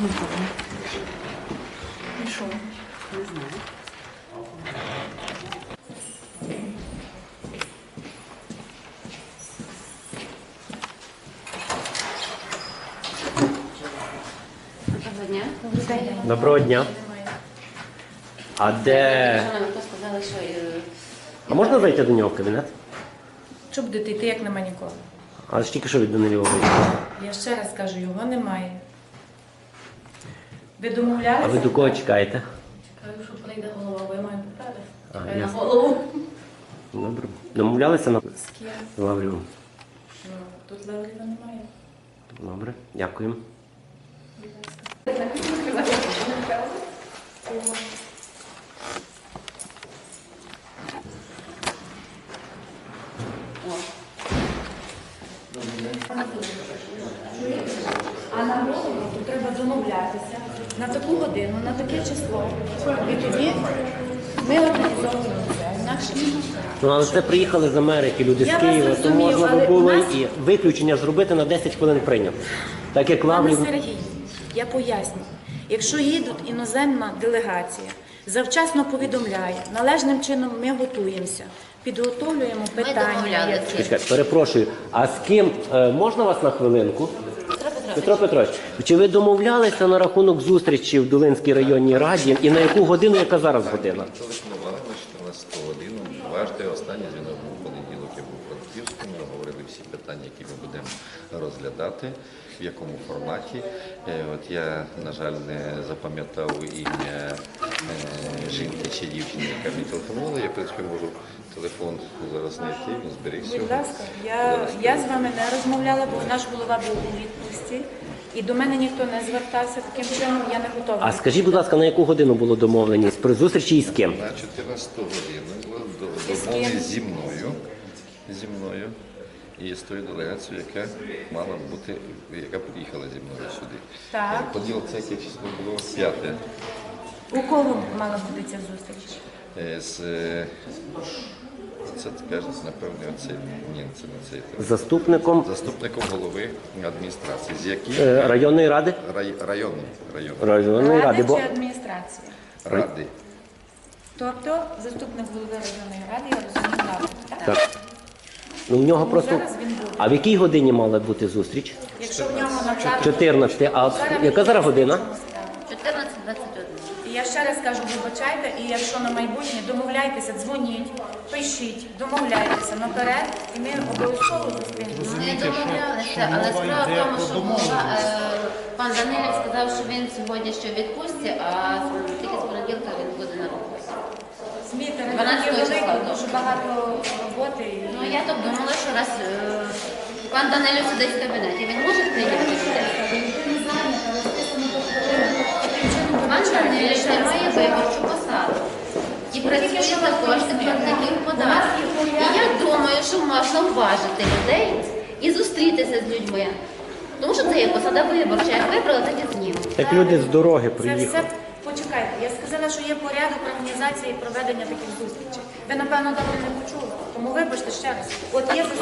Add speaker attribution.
Speaker 1: І що?
Speaker 2: Не знаю. Доброго дня.
Speaker 3: Доброго дня. А де...
Speaker 2: Ви сказали, що...
Speaker 3: А можна зайти до нього в кабінет?
Speaker 1: Що будете йти, як нема нікого?
Speaker 3: А ж тільки що від Данилова вийшов.
Speaker 1: Я ще раз кажу, його немає. Ви
Speaker 3: А
Speaker 1: домовлялися?
Speaker 3: ви до кого чекаєте?
Speaker 1: Кажу, що прийде голова, бо я маю питати.
Speaker 3: А,
Speaker 1: Чекаю на
Speaker 3: ясно.
Speaker 1: голову.
Speaker 3: Добре. Домовлялися на
Speaker 1: З ким?
Speaker 3: Лаврію?
Speaker 1: Ну, тут Лавріва немає.
Speaker 3: Добре, дякую.
Speaker 1: А на голову тут треба домовлятися на таку годину, на таке число. І тоді ми організовуємо це. Інакше ні.
Speaker 3: Ну, але це приїхали з Америки, люди
Speaker 1: Я
Speaker 3: з Києва,
Speaker 1: вас
Speaker 3: то
Speaker 1: розумію,
Speaker 3: можна
Speaker 1: але
Speaker 3: би було
Speaker 1: у нас-
Speaker 3: і виключення зробити на 10 хвилин прийняти. Так як
Speaker 1: Пане
Speaker 3: Лаврів...
Speaker 1: Сергій, я поясню. Якщо їдуть іноземна делегація, завчасно повідомляє, належним чином ми готуємося, підготовлюємо питання.
Speaker 2: домовлялися.
Speaker 1: які-
Speaker 3: Чекайте, перепрошую, а з ким можна вас на хвилинку? Петро Петрович, чи ви домовлялися на рахунок зустрічі в Долинській районній раді і на яку годину, яка зараз година?
Speaker 4: Телефонували на 14 годину. Важте, останній дзвінок був у понеділок, я був у Франківському, ми говорили всі питання, які ми будемо розглядати, в якому форматі. От я, на жаль, не запам'ятав ім'я жінки чи дівчини, яка мені телефонувала. Я, в принципі, можу телефон зараз знайти, він зберігся.
Speaker 1: Будь ласка, я з вами не розмовляла, бо наш голова був у відпустці. І до мене ніхто не звертався таким чином, я не готова.
Speaker 3: А скажіть, будь ласка, на яку годину було домовленість при зустрічі і з ким?
Speaker 4: На 14 годину була
Speaker 1: І з ким?
Speaker 4: домовленість зі мною і з тою делегацією, яка мала бути, яка приїхала зі мною сюди.
Speaker 1: Так.
Speaker 4: Поділ це яке число було 5.
Speaker 1: У кого мала бути ця зустріч?
Speaker 4: Це кажуть, напевне, оцей. Ні, це не цей.
Speaker 3: Заступником
Speaker 4: Заступником голови адміністрації. З яким?
Speaker 3: районної ради?
Speaker 4: Районної.
Speaker 3: Районної ради, бо...
Speaker 1: чи адміністрація?
Speaker 4: Ради.
Speaker 1: Тобто заступник голови районної ради, я розумію, ради, так?
Speaker 3: Так. Ну, в нього просто...
Speaker 1: зараз він буде.
Speaker 3: А в якій годині мала бути зустріч?
Speaker 1: Якщо в нього на карту...
Speaker 3: 14. А яка зараз година?
Speaker 2: 14-21.
Speaker 1: І я ще раз кажу, вибачайте, і якщо на майбутнє, домовляйтеся, дзвоніть, пишіть, домовляйтеся наперед, і ми обов'язково зустрінемося.
Speaker 2: Ми домовлялися, але справа в тому, що пан Данилів сказав, що він сьогодні ще в відпустці, а тільки з понеділка він буде на роботі.
Speaker 1: Змійте,
Speaker 2: 12
Speaker 1: великі,
Speaker 2: числа.
Speaker 1: дуже багато роботи.
Speaker 2: Ну, я так думала, що раз пан Данилів сидить в кабінеті, він може прийняти людей? Пан Данилів не має виборчу посаду. І працює за кошти платників податків. І я думаю, що можна уважити людей і зустрітися з людьми. Тому що це є посада виборча. Як вибрали, так і знімуть.
Speaker 3: Так люди з дороги
Speaker 1: Це
Speaker 3: приїхали.
Speaker 1: все, почекайте, я сказала, що є порядок організації і проведення таких зустрічей. Ви, напевно, добре не почули, тому вибачте ще раз. От є